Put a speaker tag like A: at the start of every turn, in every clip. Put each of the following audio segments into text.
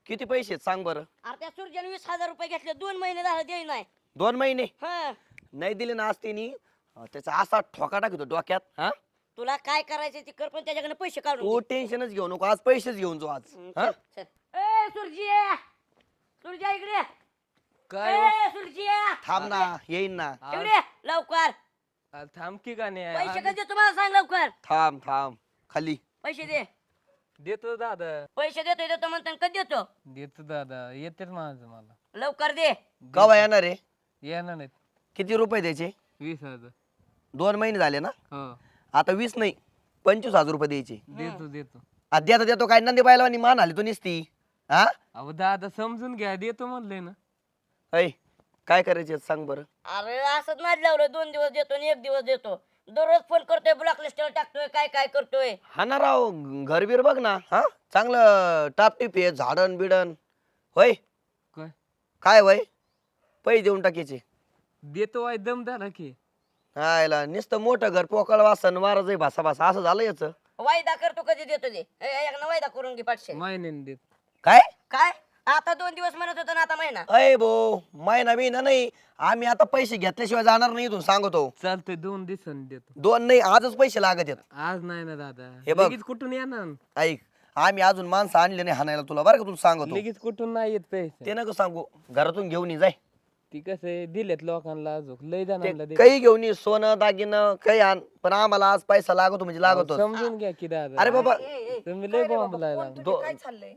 A: किती पैसे आहेत सांग बरं.
B: अरे त्या सूर्याने 20,000 रुपये घेतले 2 महिने झाले देई नाही.
A: 2 महिने
B: हा
A: नाही दिले ना आज तिने त्याचा असा ठोका टाकतो डोक्यात. हा
B: तुला काय करायचं ते कर पण त्याच्याकडे पैसे काढून
A: तू
B: घे.
A: टेन्शनच घेऊ नको आज पैसेच घेऊन जाऊ आज. हा
B: चल, चल. ए सूर्या सूर्या इकडे
C: काय
B: ए सूर्या
A: थांब ना येईन ना.
B: इकडे लवकर
C: थांब की का
B: पैसे
C: नाही
B: कधी तुम्हाला सांग लवकर
A: थांब थांब खाली.
B: पैसे दे
C: देतो दादा
B: पैसे देतो म्हणतो कधी देतो
C: देतो दादा येतेच माझं मला
B: लवकर दे.
A: कवा येणार रे.
C: येणार नाहीत
A: किती रुपये द्यायचे.
C: 20,000
A: 2 महिने झाले ना.
C: हो
A: आता 20 नाही 25,000 रुपये द्यायचे.
C: देतो देतो
A: देता देतो काय नंदी बायला मान आली तू निसती. हा
C: अहो दादा समजून घ्या देतो म्हणलंय ना.
A: ऐ काय करायचे सांग बरं.
B: अरे असंच नाद लावलं 2 दिवस देतो आणि 1 दिवस देतो. दररोज फोन करतोय ब्लॉक लिस्टवर टाकतोय काय काय करतोय.
A: हा ना राव घरबीर बघ ना. हा चांगलं टापटीप आहे झाडण बिडण होय.
C: काय
A: काय वय पैसे देऊन टाकायचे.
C: देतो वाय दम झाला की
A: हायला नुसतं मोठं घर पोकळ वासन वारच आहे भासा भासा असं झालं याच.
B: वायदा करतो कधी देतो दे एकदा वायदा करून घे पाचशे.
C: महिन्याने देत
A: काय
B: काय आता 2 दिवस म्हणत होता ना आता महिना.
A: अय भो महिना बिना नाही आम्ही आता पैसे घेतल्याशिवाय जाणार नाही इथून सांगतो.
C: चालतंय 2 दिवसांनी देतो.
A: 2 नाही आजच पैसे लागत आहेत.
C: आज नाही ना दादा
A: हे बघ.
C: लगेच कुठून येणार
A: ऐक आम्ही अजून माणसं आणले नाही हाणायला तुला बरं का तुला सांगतो.
C: लगेच कुठून नाही येत पैसे
A: ते नको सांगू घरातून घेऊन ये जाय.
C: ती कसं आहे दिलेत लोकांना अजून लय जणांना
A: ते
C: दे.
A: काही घेऊन ये सोनं दागिनं काही आण पण आम्हाला आज पैसा लागतो म्हणजे लागतो.
C: समजून घ्या की दादा.
A: अरे बाबा
C: तुम्ही लय बॉम्ब लायला
D: काय चाललंय?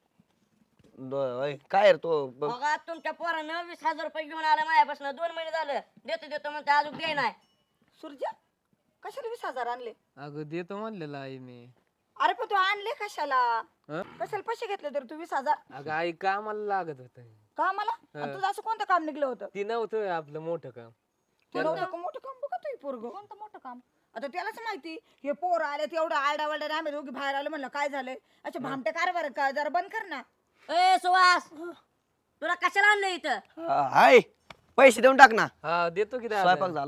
A: काय रे तो
B: बघा तुमच्या पोरानं 20,000 रुपये घेऊन आला माझ्यापासून 2 महिने झालं देतो देतो म्हणतो अजून दे नाही.
D: सूर्या कशाला 20,000 आणले?
C: अगं देतो म्हणलेलं आई मी.
D: अरे पण तू आणले कशाला?
C: हं?
D: कशाला पैसे घेतले तर तू 20,000
C: अगं आई कामाला लागत होत.
D: का मला? आणि तुझं असं कोणतं काम निघलं होतं?
C: ती नव्हतं आपलं मोठं काम.
D: तू नव्हतं का मोठं काम बघा तू पोरग कोणतं मोठं काम? आता त्यालाच माहिती हे पोर आले तेवढं आरडा वरडा आम्ही दोघी बाहेर आलो म्हणलं काय झालंय अच्छा भामटे कारभार का जरा बंद कर ना.
B: ए सुहास तुला कशाला आणलं इथं.
A: हाय पैसे देऊन टाक ना.
C: हा देतो की
A: स्वयंपाक
C: दादा.
A: झाला.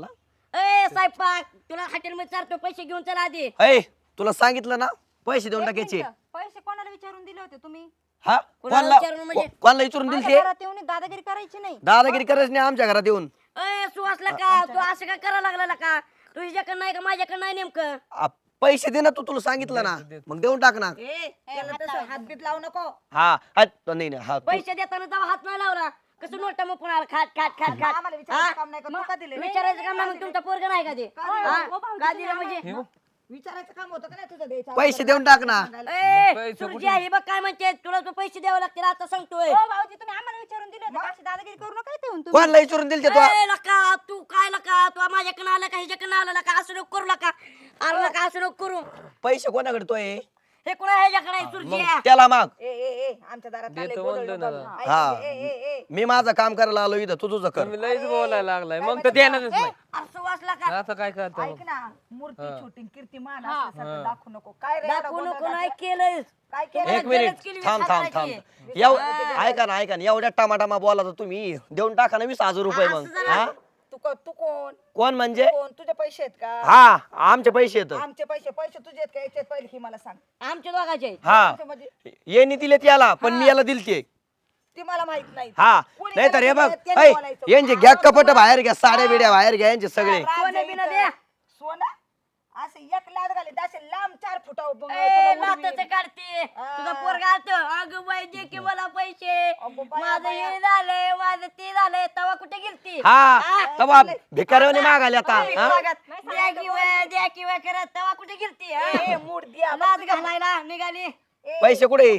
B: ए स्वयंपाक तुला हॉटेलमध्ये चालतो पैसे घेऊन चला आधी.
A: ऐ तुला सांगितलं ना पैसे देऊन टाकायचे.
D: पैसे कोणाला विचारून दिले होते तुम्ही?
A: हा
B: कोणाला विचारून म्हणजे?
A: कोणाला विचारून दिल
D: माझ्या
A: ते.
D: घरात येऊन दादागिरी करायची नाही.
A: दादागिरी करायची नाही आमच्या घरात येऊन.
B: ए सुहासला का तू असं काय करायला लागला का. तुझ्याकडे नाही का माझ्याकडे नाही नेमकं.
A: पैसे दे ना तू तुला सांगितलं ना मग देऊन टाक ना.
D: त्याला तसं हातबीत लावू नको.
A: हा नाही नाही हा
B: पैसे देताना तेव्हा हात नाही लावला कसं नोटा मग पुन्हा खाट खाट खाट खाट.
D: आम्हाला विचारायचं काम नाही का? तू का दिले?
B: विचारायचं काम नाही मग तुमचा पोरग नाही का ते. का दिलं म्हणजे
D: विचारायचं काम होतं का नाही तुझं द्यायचं?
A: पैसे देऊन टाक ना.
B: ए
C: पैसे
B: सुरजी हे बघ काय म्हणते तुला तो पैसे द्यावे लागतील आता सांगतोय.
D: हो भाऊजी तुम्ही आम्हाला विचारून दिले होते अशी दादागिरी करू नका इथे येऊन तुम्ही.
A: कोणाला विचारून दिल ते तू.
B: ए लका तू काय लका तू माझ्याकडे आला का ह्याच्याकडे आला लका असं नको करू लका. आला लका असं नको करू.
A: पैसे कोणाकडे तो आहे
B: हे कुणा ह्याच्याकडे आहे सुरजी.
A: मग त्याला माग.
D: ए आमच्या दारात आले,
C: देतो
D: बोलवलं
C: म्हणलं
D: होतं.
C: ना.
D: ऐक,
A: हा.
D: ए.
A: मी माझं काम करायला आलो इथं तू तुझं कर.
C: तुम्ही लयच बोलायला लागलाय मग तर देणारच नाही.
B: असं वाचला का
C: आता काय करतो
D: ऐक ना मूर्ती छोटी कीर्तिमान असं सगळं दाखवू नको. काय रे एवढा
B: दाखवू
D: गोंधळ
B: नको नाही
D: घातला?
B: केलंय.
D: काय केलं?
A: एक मिनिट
B: केली
A: थांब थांब थांब
B: साताराची.
A: ऐका ना एवढ्या टमाटामा बोला तुम्ही देऊन टाका ना 20,000 रुपये मग. हा
D: तू कोण
A: कोण म्हणजे
D: कोण तुझे पैसे आहेत का?
A: हा आमचे पैसे येत.
D: आमचे पैसे तुझे आहेत का याचे पहिले ही मला सांग.
B: आमच्या दोघाचे
A: हा
D: तुझे म्हणजे
A: येणी दिले त्याला पण मी याला दिलते.
D: ती मला माहित नाही.
A: हा
D: कोणी
A: नाही तर हे बघ
D: गेलं त्याने बोलायचं.
A: यांचे घ्या कपट बाहेर घ्या साड्या बिड्या बाहेर घ्या यांचे सगळे.
B: सोनं बिनं द्या.
D: सोना असं एक लाद घाली असे लांब 4 फुटावर
B: ए नाताचं काढते तुझा पोरगा आलत अगं बाई दे की मला पैसे
D: अगं बाया,
B: माझं हे झालंय माझं ते झालंय तवा कुठे गेलती.
A: हा तवा भिकाऱ्याने मागाले आता. हा?
B: द्या किंवा करत तवा कुठे गेलती.
D: मूड द्या
B: नाद घालायला निघाली.
A: पैसे कुठे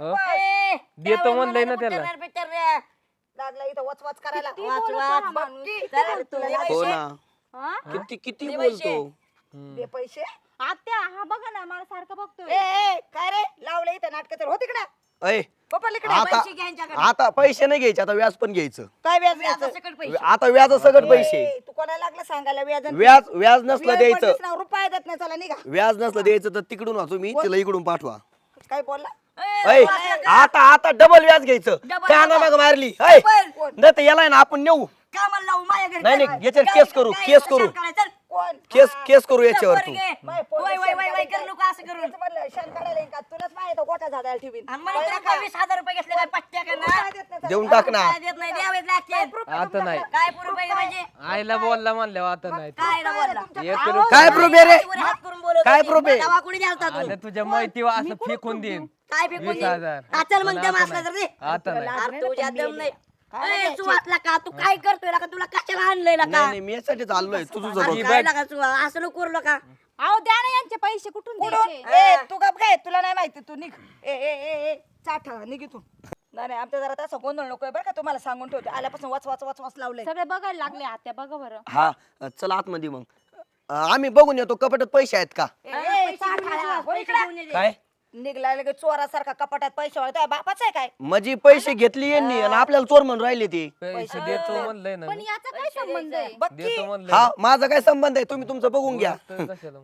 B: ए,
C: देतो
B: त्यावेळी
C: म्हणलंय ना
B: मला
C: त्याला.
B: उतरणार बितरणार.
D: लागला इथं वचवाच करायला.
B: वाच वाच चला तुला
A: हो
B: पैसे.
A: ना किती
B: दे
A: बोलतो.
D: दे पैसे.
E: आत्या हा बघा ना मला सारखं बघतोय.
D: काय रे लावलं इथं नाटक तर होती का?
A: ऐ
D: पप्पा इकडे
A: आता
B: पैसे घ्या यांच्याकडे.
A: आता पैसे नाही घ्यायचे आता व्याज पण घ्यायचं.
D: काय व्याज
B: व्याजासकट पैसे.
A: आता व्याज सगळं पैसे.
D: तू कोणाला लागला सांगायला व्याज
A: व्याज नसलं द्यायचं.
D: रुपये देत नाही चला निघा.
A: व्याज नसलं द्यायचं तर तिकडून वाचू मी तिला इकडून पाठवा.
D: काय बोलला?
A: ऐ आता डबल व्याज घ्यायचं.
B: Double
A: त्यानं
B: व्याज.
A: मग मारली ऐ
B: कोण?
A: नाही तर याला आहे ना आपण नेऊ
B: कामाला लावू माझ्या घरी.
A: नाही,
B: चल.
A: याच्यावर
B: काय-
A: केस करू,
B: काय
A: केस
B: कशाला
A: करू.
B: करायचं? चल.
D: कोण?
A: केस करू याच्यावर तू.
B: पोरगे. वय वय वय वय करू नको असं करून
D: तेच म्हणलं, शेण काढायला येईन का? तुलाच माहिती गोठा झाडायला ठेवीन.
B: आणि मला
D: कळलं
B: तर
D: का?
B: 20,000 रुपये घेतले काय पट्ट्या का ना
D: काय देत नाही त्याला?
A: देऊन टाक ना.
B: काय देत नाही द्यावेच लागते
C: आता नाही
B: काय पुरू पाहिजे म्हणजे
C: आईला बोलला म्हणल्यावर आता नाही ते.
B: काय ना बोलला
C: एक रुपया-
A: काय प्रूफ आहे रे
B: हात करून बोलत
A: काय
B: होती.
A: proof आहे?
B: दवा कुणी द्यालता तू
C: आलं तुझ्या माहितीवर असं फेकून देईन
B: काय फेकून
C: 20,000.
B: दे? चल मग
C: पण
B: दम
C: आता
B: असला तर दे
C: आता नाही
B: अरे तुझ्या दम नाही
D: काय
B: ए, तू वाचला का तू काय करतोय का तुला कशाला आणलंय का
A: नाही नाही मी यासाठी चाललोय तुझं
B: आणि काय लागा तू असं नको करू का
E: अहो द्या ना यांचे पैसे कुठून
D: कुठून?
E: द्यायचे
D: ए, तू गप काय तुला नाही माहिती तू निघ ए ए ए ए चाठ निघ इथून. नाही नाही, आमच्या जरा तसं गोंधळ नकोय बरं का, तुम्हाला सांगून ठेवते आल्यापासून वाच वाच वाच वाच लावलंय.
E: सगळे बघायला लागले आत्या बघा बरं
A: हा चल आतमध्ये मग आम्ही बघून येतो कपाटात पैसे आहेत का
D: ए, ए, चाठ आला. हो इकडं.
A: काय
D: निघला लगे चोरासारखा कपाटात पैसे वाळताय बापाच आहे काय?
A: माझी पैसे घेतली यांनी आणि आपल्याला चोर म्हणून राहिले ते
C: पैसे देतो म्हणलंय ना
E: पण
C: मी.
E: याचा काय संबंध आहे
D: बघ की,
C: देतो म्हणलंय
A: हा माझा काय संबंध आहे तुम्ही तुमचं बघून घ्या
C: तर कशाला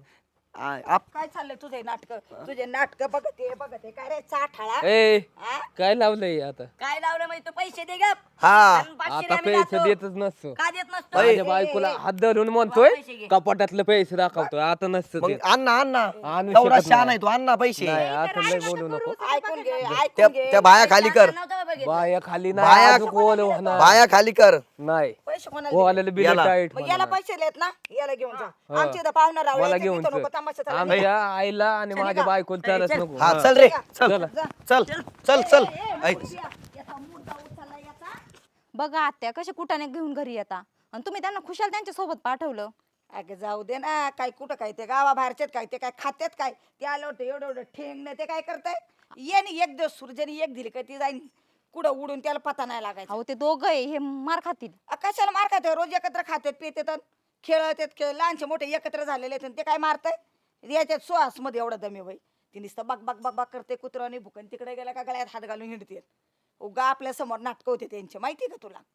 D: काय चाललंय तुझे नाटक बघते काय रे चाठाळा
C: ए
D: हा?
C: काय लावलंय आता
B: काय लावलं म्हणजे तू पैसे दे गप
A: हा
B: आणि 500
C: आता
B: आम्ही
C: पैसे
B: जातो.
C: देतच नसतो
B: का देत नसतो
C: माझ्या बायकोला हात धरून म्हणतोय
B: पैसे घे.
C: कपाटातले पैसे दाखवतोय आता नसतं
A: मग
C: देत.
A: अण्णा अण्णा
C: आणू
A: तेवढा
C: शकत
A: शहा
C: नाही.
A: नाही तू अण्णा पैसे
C: नाही आता लय बोलू नको
D: ऐकून घे
A: त्या
D: ऐकून घे
A: त्या बाया खाली कर
B: नव्हतं बघितलं.
C: बाया खाली
A: बाया-
C: नाही अजून ओलं होणार
A: बाया खाली कर
C: नाही
D: पैसे कोणाला दिले?
C: ओल्याला बिल
A: याला.
C: टाईट
D: मग याला पैसे देत ना याला घेऊन जा आमच्या इथं पाहुणा रावळे
C: मला
D: येते,
C: घेऊन
D: तिथं
C: चल.
D: नको तमाशा चालू.
C: आमच्या आईला आणि माझ्या बायकोला चालत नको
A: हा
C: हा.
A: चल रे चल
C: चला.
A: चल चल चल ऐक
D: याचा मुर्दा उचलला याचा.
E: बघा आत्या कसे कुटाने घेऊन घरी येता आणि तुम्ही त्यांना खुशाल त्यांच्या सोबत पाठवलं
D: अगं जाऊ दे ना काय कुठं काय ते गावाबाहेरचेत काय ते काय खात्यात काय ते आलं होतं एवढं एवढं ठेंग ते काय करताय येणे एक दिवस सूर्याने एक दिली का ती जाईन कुठं उडून त्याला पता नाही लागायचा
E: अहो ते दोघं आहे हे मार खातील
D: कशाला मार खाते रोज एकत्र खात्यात पितात खेळत खेळ लहानचे मोठे एकत्र झालेले आहेत आणि ते काय मारताय याच्यात सुहास मध्ये एवढं दमे बाई ती नुसतं बक बक बक बक करते कुत्रं आणि भुकन तिकडे गेला का गळ्यात हात घालून हिंडते उगा आपल्या समोर नाटकं होते त्यांचे माहिती का तुला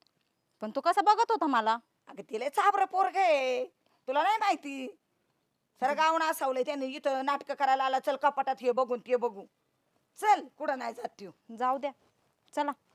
E: पण तो कसा बघत होता मला
D: अगं तिला चाबर पोरग आहे तुला नाही माहिती सर गावणं असावलंय त्याने इथं नाटकं करायला आला चल कपाटात हे बघून ते बघू चल कुठं नाही जात ठेव
E: जाऊ द्या चला